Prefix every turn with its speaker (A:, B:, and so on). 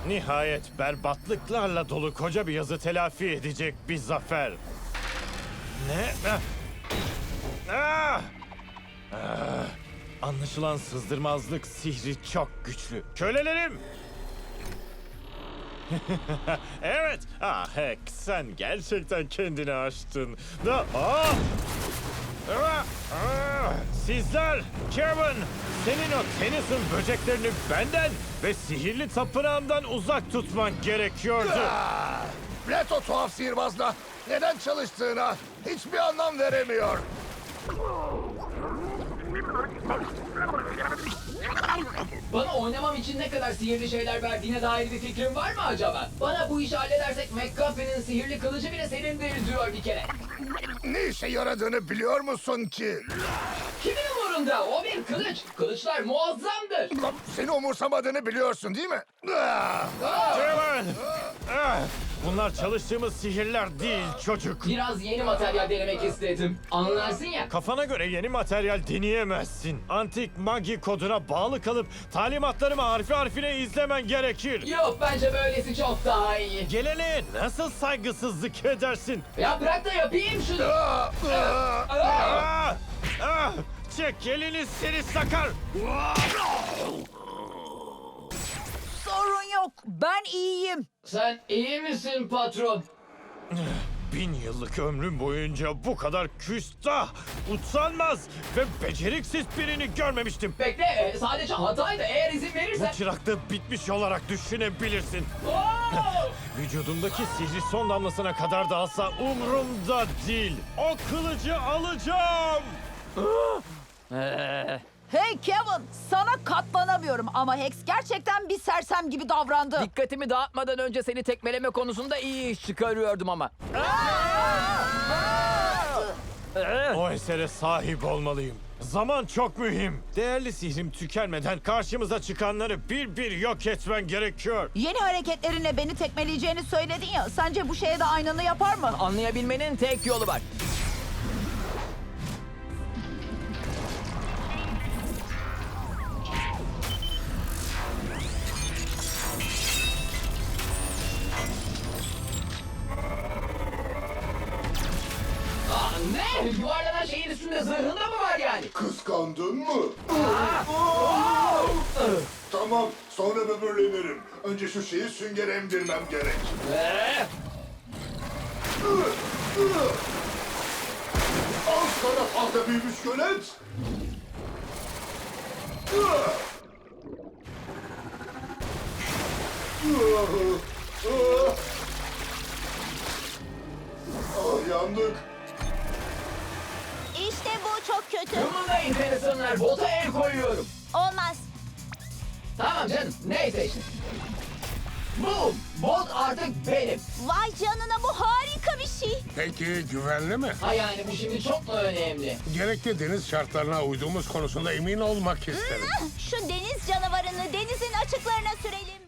A: Nihayet berbatlıklarla dolu koca bir yazı telafi edecek bir zafer. Ne? Ah! Ah! Anlaşılan sızdırmazlık sihri çok güçlü. Kölelerim! Evet. Ah Heck, sen gerçekten kendini aştın. Sizler, Kevin, senin o Tennyson böceklerini benden ve sihirli tapınağımdan uzak tutman gerekiyordu.
B: Plato tuhaf sihirbazla neden çalıştığına hiçbir anlam veremiyor.
C: Bana oynamam için ne kadar sihirli şeyler verdiğine dair bir fikrin var mı acaba? Bana bu işi halledersek McGuffey'nin sihirli kılıcı bile senindir diyor bir kere.
B: Ne işe yaradığını biliyor musun ki?
C: Kimin umurunda? O bir kılıç. Kılıçlar muazzamdır.
B: Seni umursamadığını biliyorsun değil mi?
A: Kevin! Ah! Bunlar çalıştığımız sihirler değil çocuk.
C: Biraz yeni materyal denemek istedim. Anlarsın ya.
A: Kafana göre yeni materyal deneyemezsin. Antik magi koduna bağlı kalıp talimatlarımı harfi harfine izlemen gerekir.
C: Yok, bence böylesi çok daha iyi.
A: Gelene nasıl saygısızlık edersin?
C: Ya bırak da yapayım şunu.
A: Ah! Ah! Çek elini seni sakar!
D: Sorun yok. Ben iyiyim.
C: Sen iyi misin patron?
A: 1000 yıllık ömrüm boyunca bu kadar küstah, utanmaz ve beceriksiz birini görmemiştim.
C: Bekle, sadece hataydı. Eğer izin
A: Bu
C: verirsen...
A: çıraklığı bitmiş olarak düşünebilirsin.
C: Oo!
A: Vücudumdaki sihri son damlasına kadar da alsa umurumda değil. O kılıcı alacağım.
D: Hey Kevin, sana katlanamıyorum ama Hex gerçekten bir sersem gibi davrandı.
E: Dikkatimi dağıtmadan önce seni tekmeleme konusunda iyi iş çıkarıyordum ama.
A: O esere sahip olmalıyım. Zaman çok mühim. Değerli sihrim tükenmeden karşımıza çıkanları bir bir yok etmen gerekiyor.
D: Yeni hareketlerinle beni tekmeleyeceğini söyledin ya. Sence bu şeye de aynını yapar mı?
E: Anlayabilmenin tek yolu var.
C: Ne? Yuvarlanan şeyin üstünde zırhında mı var yani?
B: Kıskandın mı? Tamam, sonra böbürlenirim. Önce şu şeyi sünger emdirmem gerek. Al sana fazla büyümüş gölet. Ah, yandık.
F: İşte bu çok kötü.
C: Kımıldayın Tennyson'lar, bota el koyuyorum.
F: Olmaz.
C: Tamam canım, neyse işte. Boom! Bot artık benim.
F: Vay canına, bu harika bir şey.
G: Peki güvenli mi?
C: Ha yani bu şimdi çok mu önemli?
G: Gerekli deniz şartlarına uyduğumuz konusunda emin olmak isterim.
F: Şu deniz canavarını denizin açıklarına